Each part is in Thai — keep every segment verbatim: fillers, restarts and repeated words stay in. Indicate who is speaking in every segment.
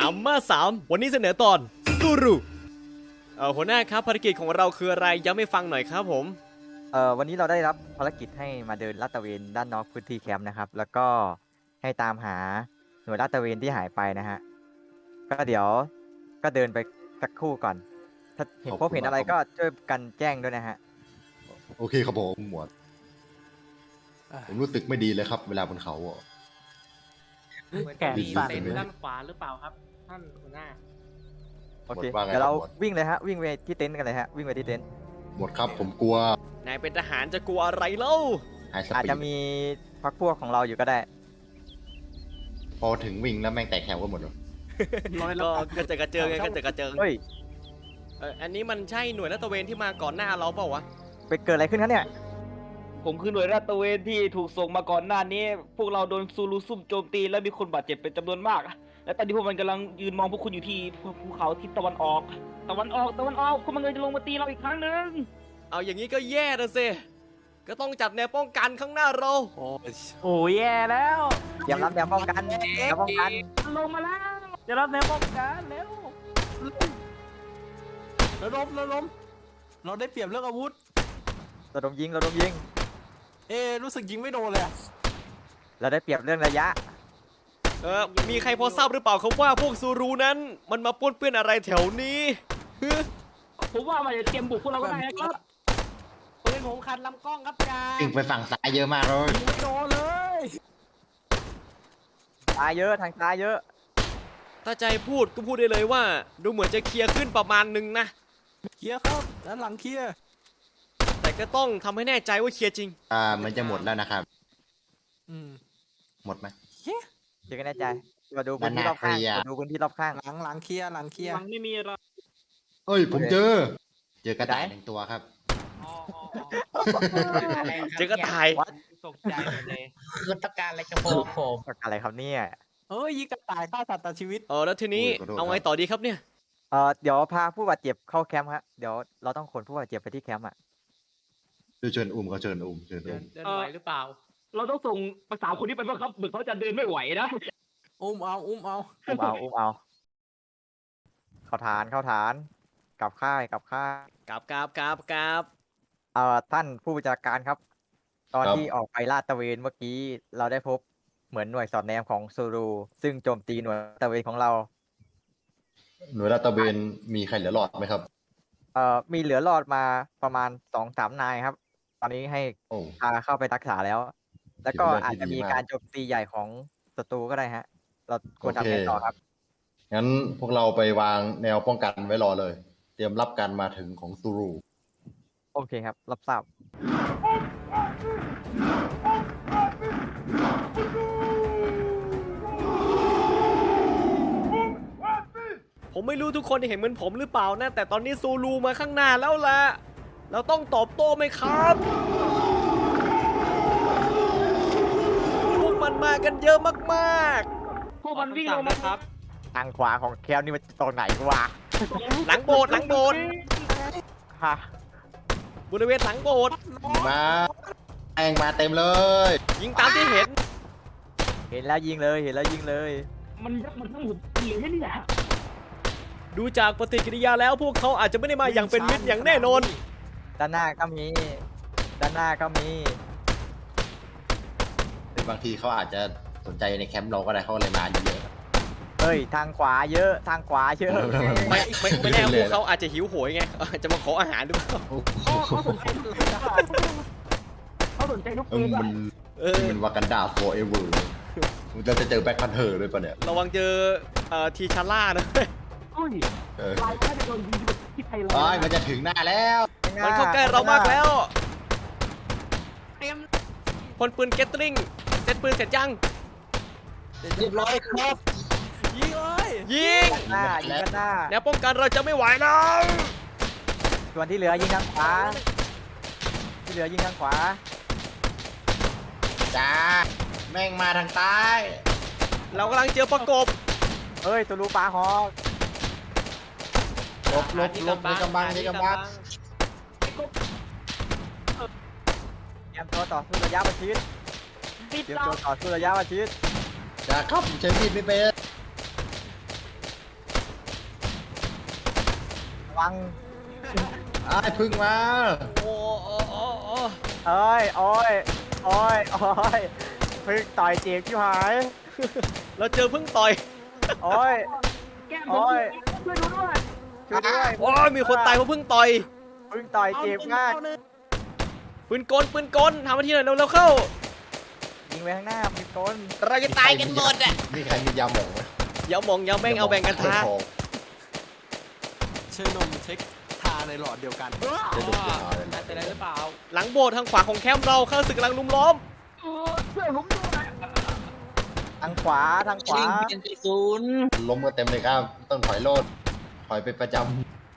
Speaker 1: อัมมาสามวันนี้เสนอตอนซูรุเอ่อหัวหน้าครับภารกิจของเราคืออะไรย้ำให้ฟังหน่อยครับผม
Speaker 2: เอ่อวันนี้เราได้รับภารกิจให้มาเดินลาดตระเวนด้านนอกพื้นที่แคมป์นะครับแล้วก็ให้ตามหาหน่วยลาดตระเวนที่หายไปนะฮะก็เดี๋ยวก็เดินไปสักครู่ก่อน ถ้าเห็นพบเห็นอะไรก็ช่วยกันแจ้งด้วยนะฮะ
Speaker 3: โอเคครับผมหมวดผมรู้สึกไม่ดีเลยครับ เวลาบนเขาอ่ะ
Speaker 4: แก่สั่น
Speaker 3: เต็นท์
Speaker 4: ด้านขวาหรือเปล่าครับ ท่านหัวหน้า
Speaker 2: โอเค
Speaker 3: หมดว่าไง
Speaker 2: เดี๋ยวเรา
Speaker 3: ครับหมด
Speaker 2: วิ่งเลยฮะวิ่งไปที่เต็นท์กันเลยฮะวิ่งไปที่เต็นท์
Speaker 3: หมดครับผมกลัวน
Speaker 1: ายเป็นทหารจะกลัวอะไรเล่า
Speaker 3: ไฮส
Speaker 2: อาจ
Speaker 3: ปี
Speaker 2: จะ
Speaker 3: ด
Speaker 2: มีพักพวกของเราอยู่ก็ได้
Speaker 3: พอถึงวิ่งแล้วแม่งแตกแถวกันหมดเลย
Speaker 1: ก็กระเจิดกระเจิงไงกระเจิดกระเจิง
Speaker 2: เฮ้ย
Speaker 1: เอ่ออันนี้มันใช่หน่วยลาดตระเวนที่มาก่อนหน้าเราเปล่าวะ
Speaker 2: ไปเกิดอะไรขึ้นครับเนี่ย
Speaker 4: ผมคือหน่วยลาดตระเวนที่ถูกส่งมาก่อนหน้านี้ พวกเราโดนซูรุซุ่มโจมตีและมีคนบาดเจ็บเป็นจำนวนมาก และตอนนี้พวกมันกำลังยืนมองพวกคุณอยู่ที่ภูเขาทิศตะวันออก ตะวันออกตะวันออกพวกมันกำลังจะลงมาตีเราอีกครั้งหนึ่ง
Speaker 1: เอาอย่างนี้ก็แย่นะสิก็ต้องจัดแนวป้องกันข้างหน้าเรา
Speaker 4: โอ้ยแย่แล้ว
Speaker 2: เตรียมรับแนวป้องกันแนวป้องกัน
Speaker 4: ลงมาแล้วจะรับแนวป้องกันเร็ว
Speaker 5: ระดมระดมเราได้เปรียบเรื่องอาวุธ
Speaker 2: ระดมยิงระดมยิง
Speaker 5: เอ๊ะรู้สึกยิงไม่โดนเลยอะ
Speaker 2: เราได้เปรียบเรื่องระยะ
Speaker 1: เออมีใครพอทราบหรือเปล่าครับว่าพวกซูรุนั้นมันมาป้วนเปี้ยนอะไรแถวนี้ฮึ
Speaker 4: ผมว่ามันจะเตรียมบุกพวกเราก็ได้นะครับปืนผมคันลำกล้องครับจ่า
Speaker 3: วิ่งไปฝั่งซ้ายเยอะมากเลย
Speaker 5: ยิงไม่โดนเลย
Speaker 2: ตายเยอะทางซ้ายเยอะ
Speaker 1: ถ้าใจพูดก็พูดได้เลยว่า ดูเหมือนจะเคลียร์ขึ้นประมาณหนึงนะ
Speaker 5: เคลียร์ครับด้านหลังเคลียร์
Speaker 1: แต่ก็ต้องทำให้แน่ใจว่าเคลียร์จริง
Speaker 3: อ่ามันจะหมดแล้วนะครับ
Speaker 5: อืม
Speaker 3: หมดไหม
Speaker 5: เคลียร์
Speaker 2: เดี๋ยวกันแน่ใจมาดูพื้นที่รอบข้าง
Speaker 3: ด้านหน้าเคลียร์
Speaker 2: มาดูพื้นที่รอบข้าง
Speaker 5: หลังหลังเคลียร์หลังเคลียร์
Speaker 4: มันไม่มีอะไร
Speaker 3: เอ้ยผมเจอ เจอกระต่าย
Speaker 2: ไหน
Speaker 3: หนึ่งตัวครับ
Speaker 4: อ๋อ
Speaker 1: เจอก็ตาย
Speaker 4: ตกใจหมดเลย
Speaker 6: คือต้องการอะไรจะบอกผม
Speaker 2: อะไรครับเนี่ย
Speaker 5: เอ้ยยิงกระต่ายฆ่าสัตว์ตัดชีวิต
Speaker 1: เออแล้วทีนี้
Speaker 3: โอ้ยขอโทษ
Speaker 1: เอาไงต่อดีครับเนี่ย
Speaker 2: เอ่อเดี๋ยวพาผู้บาดเจ็บเข้าแคมป์ครับเดี๋ยวเราต้องขนผู้บาดเจ็บไปที่แคมป์อ่ะ
Speaker 3: เชิญอุ้มเขาเชิญอุ้มเชิญ
Speaker 6: เดิ
Speaker 3: อุ้
Speaker 6: น
Speaker 3: ม
Speaker 6: เดินไหวหรือเปล่า
Speaker 4: เราต้องส่งภาษามคนนี้ไปบ้างครับเหมือนเขาจะเดินไม่ไหวนะ
Speaker 5: อุ้มเอาอุ้มเอา
Speaker 2: อุ้มเอาอุ้มเอาเข้าฐานเข้าฐานกลับค่ายกลับค่าย
Speaker 1: กราบกราบกราบกราบ
Speaker 2: เอ่อท่านผู้บัญชาการครับ ตอนที่ออกไปลาดตระเวนเมื่อกี้เราได้พบเหมือนหน่วยสอดแนมของซูรูซึ่งโจมตีหน่วยลาดตระเวนของเรา
Speaker 3: หน่วยลาดตระเวนมีใครเหลือรอดไหมครับ
Speaker 2: เอ่อมีเหลือรอดมาประมาณสองสามนายครับ ตอนนี้ให้
Speaker 3: โอ้
Speaker 2: พาเข้าไปรักษาแล้ว แล้วก็
Speaker 3: ถือเป็นเรื่อง
Speaker 2: อาจ
Speaker 3: ที่
Speaker 2: จะ
Speaker 3: ดี
Speaker 2: มี
Speaker 3: มาก
Speaker 2: การโจมตีใหญ่ของศัตรูก็ได้ฮะ เราควร
Speaker 3: โอ
Speaker 2: ทำ
Speaker 3: เค
Speaker 2: ไงต่อครับ
Speaker 3: งั้นพวกเราไปวางแนวป้องกันไว้รอเลย เตรียมรับการมาถึงของซูรู
Speaker 2: โอเคครับ รับทราบ
Speaker 1: ผมไม่รู้ทุกคนเห็นเหมือนผมหรือเปล่านะแต่ตอนนี้ซูรูมาข้างหน้าแล้วล่ะเราต้องตอบโต้ไหมครับพวกมันมากันเยอะมาก
Speaker 4: พวกมันวิ่งลงมาครับ
Speaker 2: ทางขวาของแคมป์นี่มันตรงไหนวะ
Speaker 1: ๆ หลังโบสถ์หลังโบสถ์
Speaker 2: ฮะ
Speaker 1: บริเวณหลังโบสถ์
Speaker 3: มาแองมาเต็มเลย
Speaker 1: ยิงตามที่เห็น
Speaker 2: เห็นแล้วยิงเลยเห็นแล้วยิงเลย
Speaker 4: มันยักมันทั้งหมดเหลือเนี่ย
Speaker 1: ดูจากปฏิกิริยาแล้วพวกเขาอาจจะไม่ได้มาอย่างเป็นมิตรอย่างแน่นอน
Speaker 2: ด้านหน้าก็มี ด้านหน้าก็มี
Speaker 3: แต่บางทีเขาอาจจะสนใจในแคมป์เราก็ได้เขาเลยมาเยอะ
Speaker 2: เฮ้ย ทางขวาเยอะ ทางขวาเยอะ
Speaker 1: ไม่ไม่ไม่แน่พวกเขาอาจจะหิวโหยไงอาจจะมาขออาหารหรือเปล่า
Speaker 4: เขาสนใจลูก
Speaker 3: เอ
Speaker 4: ปื
Speaker 3: อน
Speaker 4: อะ
Speaker 3: มัน
Speaker 1: เออ
Speaker 3: มันวากันดา forever มึงจะเจอแบ็คพันเทอร์ด้วยปะเนี่ย
Speaker 1: ระวังเจอเอ่อทีชาร่านะ
Speaker 4: อุ้ย
Speaker 3: เออ
Speaker 4: ลายแค่จะโดนยิงที่ไทยเรา
Speaker 3: โอ้ยมันจะถึงหน้าแล้ว
Speaker 1: มันเข้าใกล้เรามากแล้ว
Speaker 4: เต็ม
Speaker 1: พลปืนเกตลิงเซตปืนเสร็จยัง
Speaker 6: เรียบร้อยครับ
Speaker 5: ยิงเลย
Speaker 1: ยิง
Speaker 2: หน้ายิงกันหน้า
Speaker 1: แนวป้องกันเราจะไม่ไหวแล้ว
Speaker 2: ส่วนที่เหลือยิงทางขวา ที่เหลือยิงทางขวา
Speaker 3: จ้าแม่งมาทางใต้
Speaker 1: เรากำลังเจอประกบ
Speaker 2: เฮ้ยตูรูปลาฮอก
Speaker 3: ลบลบลบในกำบังในกำบัง
Speaker 2: เตรียมตัวต่อสู้ระยะประชิด
Speaker 4: ติด
Speaker 2: เตรียม
Speaker 4: เรา
Speaker 2: ตัวต่อสู้ระยะประชิด
Speaker 3: จ้าครับใช้มีดไม่เป็น
Speaker 2: วัง
Speaker 3: ไอ้ายพึ่งมา
Speaker 1: โอ้โอ้โอ้โอ้
Speaker 2: เอ้ยโอ้ยโอ้ยโอ้ยพึ่งต่อยเจ็บชิบหาย
Speaker 1: เราเจอพึ่งต่อย
Speaker 2: โอ้ย
Speaker 4: แก้ม
Speaker 2: โอ้ย
Speaker 4: ช่วยดูด้วย
Speaker 2: ช่วยด้วย
Speaker 1: โอ้ยมีคนตายเพราะพึ่งต่อย
Speaker 2: พึ่งต่อยเจ็บมาก
Speaker 1: ปืนกลปืนกลทำมาที่หน่อยเร็วๆเข้า
Speaker 2: ยิงไปข้างหน้ามีต้น
Speaker 1: เราจะตายกันหมดอ่ะ
Speaker 3: มีใครมียาหมองไหม
Speaker 1: อย่ามองอย่าแม่งเอาแบ่งกันทา
Speaker 5: เชยนมเช็คทาในหลอดเดียวกัน
Speaker 3: จะดุจะเอาเลย
Speaker 6: น่าจะได้หรือเปล่า
Speaker 1: หลังโบสถ์ทางขวาของแคมป์เราข้าศึกกำลังลุมล้อม
Speaker 4: ช่วยผมด้วย
Speaker 2: ทางขวาทางขวา
Speaker 6: ชิงเป็นที่ศูนย์
Speaker 3: ล้มกันเต็มเลยครับ ต้องถอยโลด ถอยไปประจ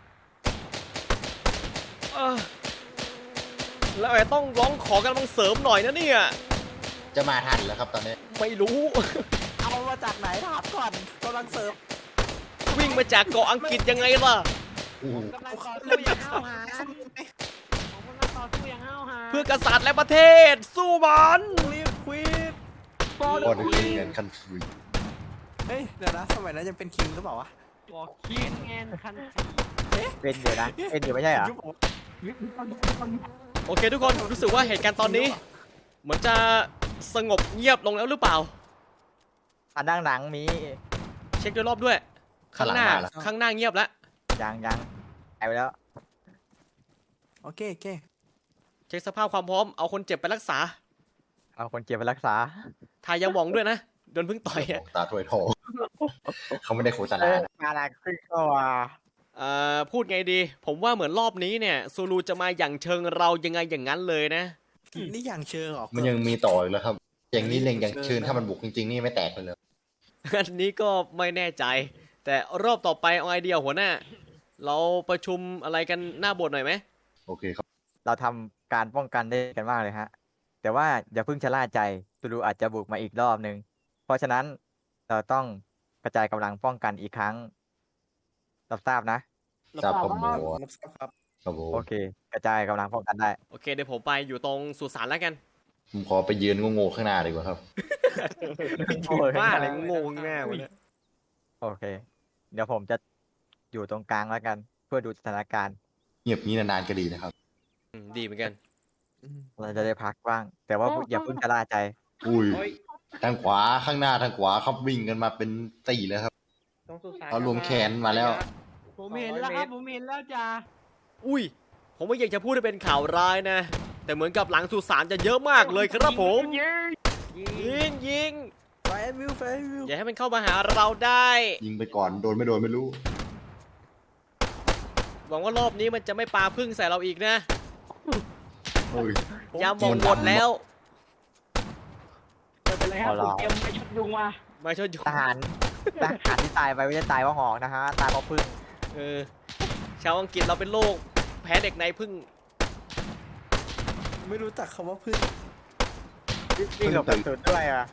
Speaker 1: เออแล้วไอ้ต้องร้องขอกำลังเสริมหน่อยนะเนี่ย
Speaker 3: ำจะมาทันแล้วครับตอนนี้
Speaker 1: ไม่รู้
Speaker 5: เอามาจากไหนถามก่อนกำลังเสิร์ฟ
Speaker 1: วิ่งมาจากเกาะอังกฤษยังไงล่ะ
Speaker 3: โอ้โห
Speaker 6: กำลังต่อสู้อย่างห้าวหาญผมกำลังต่อสู้อย่างห้าวหาญ
Speaker 1: เพื่อกษัตริย์และประเทศ สู้มัน
Speaker 5: รีบควิด
Speaker 3: บอลคือเงินคันฟรี
Speaker 5: เฮ้ยเดี๋ยวนะสมัยนั้นยังเป็นคิงหรือเปล่าวะ
Speaker 6: บอกคิงแอนคัน
Speaker 2: เป็นอยู่นะเป็นอยู่ไม่ใช่เหรอ
Speaker 5: ยุคผม
Speaker 1: โอเคทุกคนรู้สึกว่าเหตุการณ์ตอนนี้ เหมือนจะสงบเงียบลงแล้วหรือเปล่า
Speaker 2: อันด้านหลังมี
Speaker 1: เช็คด้วยรอบด้วย ข้างหน้า
Speaker 3: ข้างหลังมาแล้ว
Speaker 1: ข้างหน้าเงียบแล้ว
Speaker 2: ยังยังหายไปแล้ว
Speaker 5: โอเคโอเค
Speaker 1: เช็คสภาพความพร้อมเอาคนเจ็บไปรักษา
Speaker 2: เอาคนเจ็บไปรักษา
Speaker 1: ทายาหมองด้วยนะโดนพึ่งต่อยอะ
Speaker 3: ตาถ้วยทอง เขาไม่ได้โฆษ
Speaker 2: เอ
Speaker 3: ณา
Speaker 2: อ
Speaker 3: นะ
Speaker 2: มาละขึ้นก็ว่า
Speaker 1: เอ่อพูดไงดี ผมว่าเหมือนรอบนี้เนี่ยซูลูจะมาอย่างเชิงเรายังไงอย่างนั้นเลยนะ
Speaker 5: นี่อย่างเชิงเหรอ
Speaker 3: มันยังมีต่ออีกแล้วครับ อย่างนี้เล็งอย่างเชิญถ้ามันบุกจริงๆ นี่ไม่แตกเลยเลย
Speaker 1: อันนี้ก็ไม่แน่ใจ แต่รอบต่อไปเอาไอเดียหัวหน้า เราประชุมอะไรกันหน้าโบสถ์หน่อยไหม
Speaker 3: โอเคครับ
Speaker 2: เราทำการป้องกันได้กันมากเลยฮะ แต่ว่าอย่าเพิ่งชะล่าใจตูรูอาจจะบุกมาอีกรอบนึง เพราะฉะนั้นเราต้องกระจายกำลังป้องกันอีกครั้งรับทราบนะ
Speaker 3: ทราบข้อมูล
Speaker 5: รับทราบครับ
Speaker 3: ครับผม
Speaker 2: โอเค กระจายกำลังป้องกันได้
Speaker 1: โอเคเดี๋ยวผมไปอยู่ตรงสุสานแล้วกัน
Speaker 3: ผมขอไปยืนโง่ๆข้างหน้าดีกว่าครับ
Speaker 2: โอ้ย
Speaker 1: บ้าอะไรงงแน่วะเนี่ย
Speaker 2: โอเค เดี๋ยวผมจะอยู่ตรงกลางแล้วกัน เพื่อดูสถานการณ์
Speaker 3: เงียบนี้นานๆก็ดีนะครับ
Speaker 1: อืมดีเหมือนกัน
Speaker 2: เราจะได้พักบ้าง แต่ว่าอย่าเพิ่งชะล่าใจ
Speaker 3: อุ้ย
Speaker 6: โอ้ย
Speaker 3: ทางขวาข้างหน้าทางขวาครับวิ่งกันมาเป็นตีเลยครับ
Speaker 6: ตรงสุสาน
Speaker 3: เอารวมแขนมาแล้ว
Speaker 6: ผมเห็นแล้วครับผมเห็นแล้วจ้า
Speaker 1: อุ้ย ผมไม่อยากจะพูดให้เป็นข่าวร้ายนะ แต่เหมือนกับหลังสุสานจะเยอะมากเลยครับผม ยิงยิง
Speaker 5: ไฟวิวไฟวิว
Speaker 1: อย่าให้มันเข้ามาหาเราได้
Speaker 3: ยิงไปก่อนโดนไม่โดนไม่รู้
Speaker 1: หวังว่ารอบนี้มันจะไม่ปาพึ่งใส่เราอีกนะ
Speaker 3: โอ้ย
Speaker 1: ยามองหมดแล้ว
Speaker 4: ไม่เป็นไรครับ
Speaker 2: เอา
Speaker 4: ผ
Speaker 2: ล่ะ
Speaker 4: มเตรียมไปชุดยุงมา
Speaker 1: มาช่วยอยู่
Speaker 2: ทหารทหารที่ตายไปไม่ได้ตายเพราะหอกนะฮะ ตายเพราะพึ่ง
Speaker 1: เออชาวอังกฤษเราเป็นโรคแพ้เด็กในพึ่ง
Speaker 5: ไม่รู้จักคำว่าพึ่ง
Speaker 2: วิ่งหลบกระสุนด้วยอ่ะ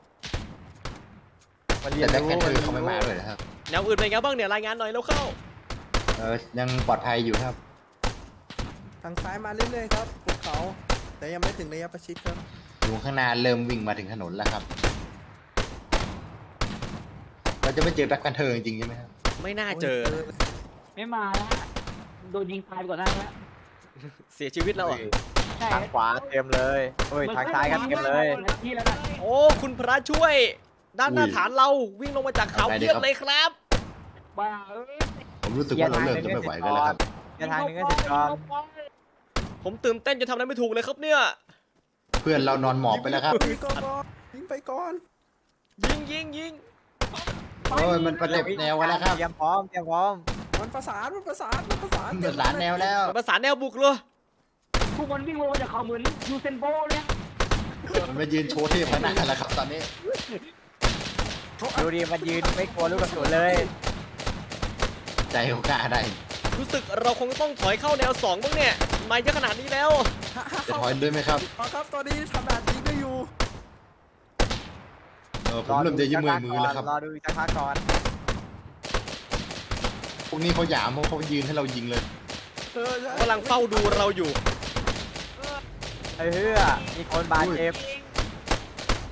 Speaker 2: มันเรีย
Speaker 3: แต่
Speaker 2: น
Speaker 3: แบ็คแพนเทอ
Speaker 2: รู้
Speaker 3: ร์เขาไม่มาเลยนะครับ
Speaker 1: แนวอื่นเป็นไงบ้างเนี่ยรายงานหน่อยแล้วเข้า
Speaker 3: เออยังปลอดภัยอยู่ครับ
Speaker 5: ทางซ้ายมาเรื่อยๆครับภูเขา แต่ยังไม่ถึงระยะประชิดครับ
Speaker 3: อยู่ข้างหน้าเริ่มวิ่งมาถึงถนนแล้วครับ เราจะไม่เจอแบ็คแพนเทอร์จริงๆใช่ไหมครับ
Speaker 1: ไม่น่าเจอ
Speaker 4: ไม่มาแล้วโดนยิงตายไปก่อนหน้าแล้ว
Speaker 1: เสียชีวิตแล้วเหรอ
Speaker 4: ใช่
Speaker 2: ทางขวาเต็มเลยเฮ้ยทางซ้ายกันเต็มเลย
Speaker 4: ที่แล้วนะ
Speaker 1: โอ้คุณพระช่วย ด้านหน้าฐานเราวิ่งลงมาจากเขาเพียบเลยครับ
Speaker 4: บ้าเอ้ย
Speaker 3: ผมรู้สึกว่าเราเริ่มจะไม่ไหวกันแล้วครับ
Speaker 2: แค่ทางหนึงก็เสร็จก่อน
Speaker 1: ผมตื่นเต้นจะทำอะไรไม่ถูกเลยครับเนี่ย
Speaker 3: เพื่อนเรานอนหมอบไปแล้วครับ
Speaker 5: ยิงก่อนยิงไปก่อน
Speaker 1: ยิงยิงยิง
Speaker 3: โอ้ยมันประเด็บแนวกันแล้วครับ
Speaker 2: เตรียมพร้อมเตรียมพร้อม
Speaker 5: มันประสานมันประสานมันประสาน
Speaker 3: เดือดร้านแนวแล้ว
Speaker 1: ประสานแนวบุกเลย
Speaker 4: ทุกคนวิ่งลงมาจากเขาเหมือนยูเซนโบเลย
Speaker 3: มันมายืนโชว์เทพขนาดนั้นแล้วครับตอนนี้
Speaker 2: ดูดิมันยืนไม่กลัวลูกกระสุนเลย
Speaker 3: ใจเขากล้าได้
Speaker 1: รู้สึกเราคงต้องถอยเข้าแนวสองบ้างเนี่ยมาเยอะขนาดนี้แล้ว
Speaker 3: จะถอยด้วยไหมครับ
Speaker 5: เอาครับตอนนี้ทำแบบนี้ก็อยู่
Speaker 3: เออผมเริ่มจะยืมมือมือแล้วครับ
Speaker 2: รอดูอีกสักพักก่อน
Speaker 3: พวกนี้เขาหยามเพราะเขายืนให้เรายิงเลย
Speaker 5: เออใช่
Speaker 1: กำลังเฝ้าดูเราอยู่
Speaker 2: ไอ้เหี้ยมีคนบาดเจ็บ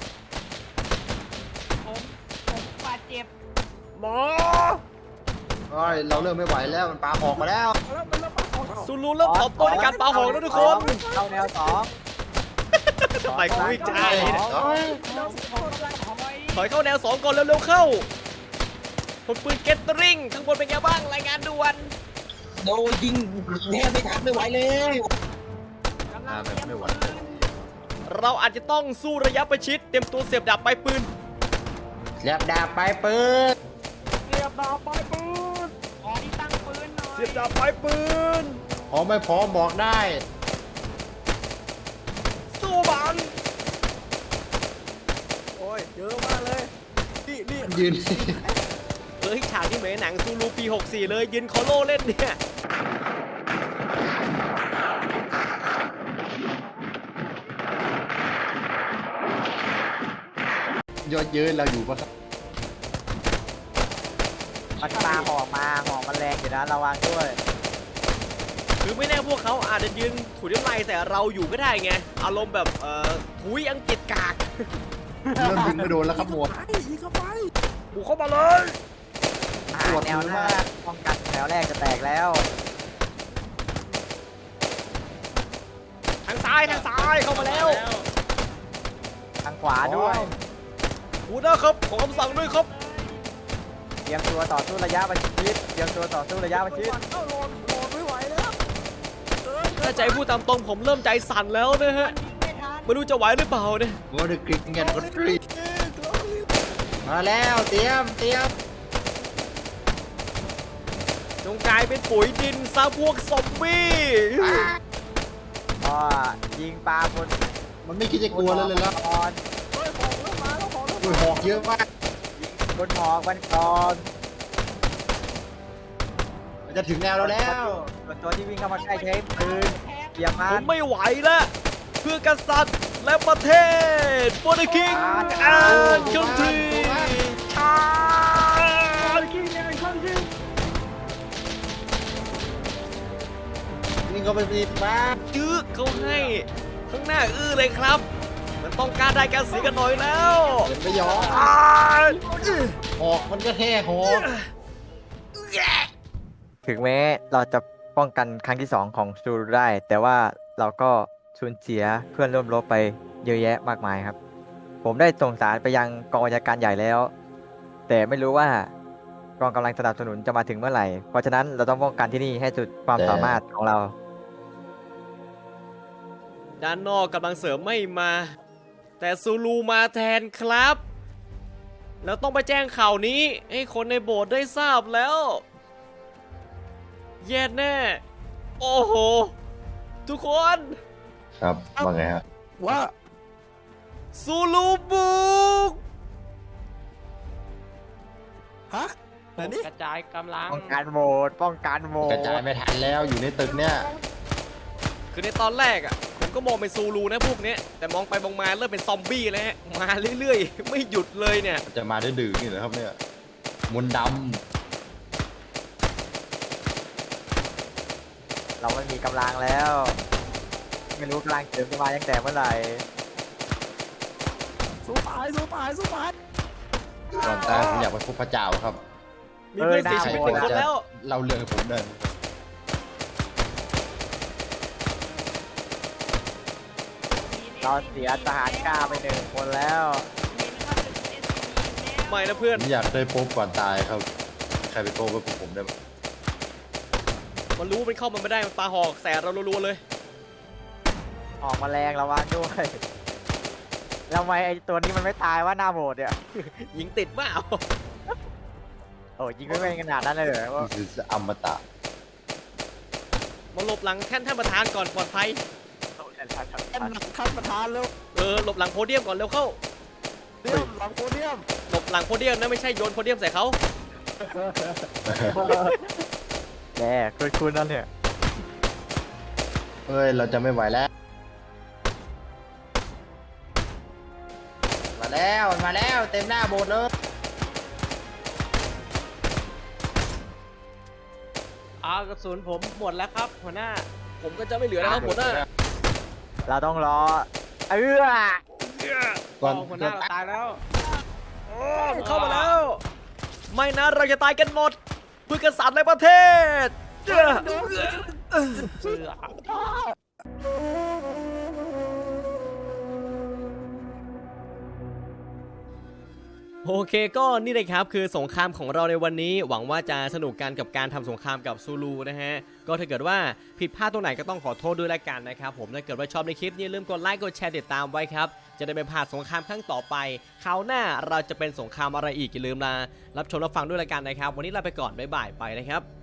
Speaker 6: ผมผมบาดเจ็บ
Speaker 1: หมอ
Speaker 2: โ
Speaker 3: โอ้ยเราเริ่มไม่ไหวแล้วมันปาหอกมาแล้ว
Speaker 5: แล้วมันเริ่มมาของเรา
Speaker 1: ซูลูเริ่มตอบโต้ในการปาหอกแล้วทุกคน
Speaker 2: เข้าแนวสอง
Speaker 1: ทำไมกูวิ่งช้าเลยเนี่ย
Speaker 3: เอ้ย
Speaker 1: ถอยเข้าแนวสองก่อนเร็วๆเข้าผลปืนเกตเตอริงข้างบนเป็นไงบ้างรายงานด่วน
Speaker 4: โดนยิงแทบไม่ทันไม่ไหวเลย
Speaker 3: อ่าแบบไม่ไหว
Speaker 1: เราอาจจะต้องสู้ระยะประชิดเตรียมตัวเสียบดาบปลายปืน
Speaker 3: เรียบดาบไปปืน
Speaker 6: เรียบดาบปลายปืนขอที่ตั้งปืนหน่อย
Speaker 1: เสียบดาบปลายปืน
Speaker 3: พร้อมไม่พร้อมบอกได้
Speaker 1: สู้มัน
Speaker 5: โอ้ยเยอะมากเลยนี่นี่
Speaker 3: ยืน
Speaker 1: เฮ้ยฉากที่เหมือนหนังซูลูปีหกสี่เลยยืนคอโล่เล่นเนี่ย
Speaker 3: ยอดเยืนเราอยู่ปะครับ
Speaker 2: มันปาหอกมาหอกมันแรงอยู่นะระวังด้วย
Speaker 1: คือไม่แน่พวกเขาอาจจะยืนถุยน้ำลายแต่เราอยู่ก็ได้ไงอารมณ์แบบเอ่อถุยอังกฤษกาก
Speaker 3: เริ่มยิงไม่โดนแล้วครับหมวด
Speaker 5: ไปยิงเข้าไป
Speaker 1: บุกเข้ามาเลย
Speaker 2: หาแนวหน้าป้องกันแนวแรกจะแตกแล้ว
Speaker 1: ทางซ้ายทางซ้ายเข้ามาแล้ว
Speaker 2: ทางขวาด้วย
Speaker 1: หัวหน้าครับขอคำสั่งด้วยครับ
Speaker 2: เตรียมตัวต่อสู้ระยะประชิดเตรียมตัวต่อสู้ระยะประชิด
Speaker 5: เข้าโหลดโหลดไม่ไหวแล้วเกินเกิ
Speaker 1: ถ้านใจพูดตามตรงผมเริ่มใจสั่นแล้วนะฮะไม่รู้จะไหวหรือเปล่าเนี่ย
Speaker 3: วอร์ดกริกเงี้ยก็กรีดมาแล้วเตรียมเตรียม
Speaker 1: จงกลายเป็นปุ๋ยดินซะพวกซอมบี้
Speaker 2: ก็ยิงปลาบน
Speaker 3: มันไม่คิดจะกลัวแล้วเลยแล้ว
Speaker 2: ก่อน
Speaker 5: เฮ้ยของเริ่มมาแล้วของเริ่ม
Speaker 3: อุ้ย
Speaker 5: มา
Speaker 3: หอกเยอะมาก
Speaker 2: บนหอกมันก่อน
Speaker 3: มันจะถึงแนวเราแล้ว
Speaker 2: ส่วนตัวที่วิ่งเข้ามาใกล้ใช้ปืนเหยียบมั
Speaker 1: ผม
Speaker 2: น
Speaker 1: ไม่ไหวแล้วเพื่อกษัตริย์และประเทศ for the king
Speaker 2: อ่า
Speaker 1: and country อ่า
Speaker 3: นี่ก็เป็นปีมา
Speaker 1: ยื้อเขาให้ข้างหน้าอื้อเลยครับ มันต้องการได้การเสียกันหน่อยแล้ว
Speaker 3: เห็นไม่ยอม
Speaker 1: อ่า
Speaker 3: หอกมันก็แค่หอก
Speaker 2: ถึงแม้เราจะป้องกันครั้งที่สองของซูรุได้ แต่ว่าเราก็สูญเสียเพื่อนร่วมรบไปเยอะแยะมากมายครับ ผมได้ส่งสารไปยังกองบัญชาการใหญ่แล้ว แต่ไม่รู้ว่ากองกำลังสนับสนุนจะมาถึงเมื่อไหร่ เพราะฉะนั้นเราต้องป้องกันที่นี่ให้สุดความสามารถของเรา
Speaker 1: ด้านนอกกำลังเสริมไม่มา แต่ซูลูมาแทนครับ แล้วต้องไปแจ้งข่าวนี้ให้คนในโบสถ์ได้ทราบแล้ว แย่แน่ โอ้โห ทุกคน
Speaker 3: ครับว่าไงฮะ
Speaker 5: ว่า
Speaker 1: ซูลูบุก
Speaker 5: ฮะไหนนี่
Speaker 6: กระจายกำลัง
Speaker 2: ป้องกันโหวตป้องกันโหว
Speaker 3: ก
Speaker 2: ต
Speaker 3: ระจายไม่ทันแล้วอยู่ในตึกเนี่ย
Speaker 1: คือในตอนแรกอ่ะ ผมก็มองเป็นซูลูนะพวกเนี้ยแต่มองไปมองมาเริ่มเป็นซอมบี้แล้วฮะ มาเรื่อยๆ ไม่หยุดเลยเนี่ย
Speaker 3: จะมาได้ดื้อนี่เหรอครับเนี่ยมนต์ด
Speaker 2: เราไม่มีกำลังแล้ว ไม่รู้กำลังเสริมจะมาตั้งแต่เมื่อไหร่
Speaker 5: สู้ตายสู้ตายสู้ตาย
Speaker 3: ำก่อนตายผมอยากไปพบพระเจ้าครับ
Speaker 1: มีเพื่อนเสียชีวิตหนึ่งคนแล้ว
Speaker 3: เล่าเรื่องให้ผมเดิน
Speaker 2: เราเสียทหารกล้าไปหนึ่งคนแล้ว
Speaker 1: ไม่นะเพื่อน
Speaker 3: ผมอยากได้พบก่อนตายครับ ใครไปโต้กับผมได้ไหม
Speaker 1: มันรู้มันเข้ามาไม่ได้ มันปาหอกแสเรารัวๆเลย
Speaker 2: ออกมาแรงระวังด้วยแล้วทำไมไอ้ตัวนี้มันไม่ตายว่าหน้าโบดเนี่ย
Speaker 1: ยิงติดเปล่า
Speaker 2: โอ้ยิงไม่เป็นขนาดนั้นเลยเหรอว่า
Speaker 3: นี่คืออมตะ
Speaker 1: มาหลบหลังแท่นท่านประธานก่อนปลอดภัย
Speaker 5: เป็นหลังขั้นประธานแล้ว
Speaker 1: เออหลบหลังโพเดียมก่อนเร็วเข้า
Speaker 5: เดียมหลังโพเดียม
Speaker 1: หลบหลังโพเดียมนะไม่ใช่โยนโพเดียมใส่เขา
Speaker 2: แย่คุณคุณนั่นเนี่ย
Speaker 3: เฮ้ย เราจะไม่ไหวแล้ว มาแล้ว มาแล้ว เต็มหน้าโบสถ์เลย
Speaker 6: อากระสุนผมหมดแล้วครับหัวหน้า
Speaker 1: ผมก็จะไม่เหลือแล้วครับหัวหน้า
Speaker 2: เราต้องรอเออ
Speaker 3: ก่อน
Speaker 6: หัวหน้าเราตายแล้ว
Speaker 1: เข้ามาแล้ว ไม่นะเราจะตายกันหมดเพื่อกษัตริย์ในประเทศ โอเคก็นี่เลยครับคือสงครามของเราในวันนี้หวังว่าจะสนุกกันกับการทำสงครามกับซูลูนะฮะก็ถ้าเกิดว่าผิดพลาดตรงไหนก็ต้องขอโทษด้วยละกันนะครับผมถ้าเกิดว่าชอบในคลิปนี้อย่าลืมกดไลค์กดแชร์ติดตามไว้ครับจะได้ไม่พลาดสงครามครั้งต่อไปคราวหน้าเราจะเป็นสงครามอะไรอีกอย่าลืมนะรับชมรับฟังด้วยละกันนะครับวันนี้ลาไปก่อนบ๊ายบายไปนะครับ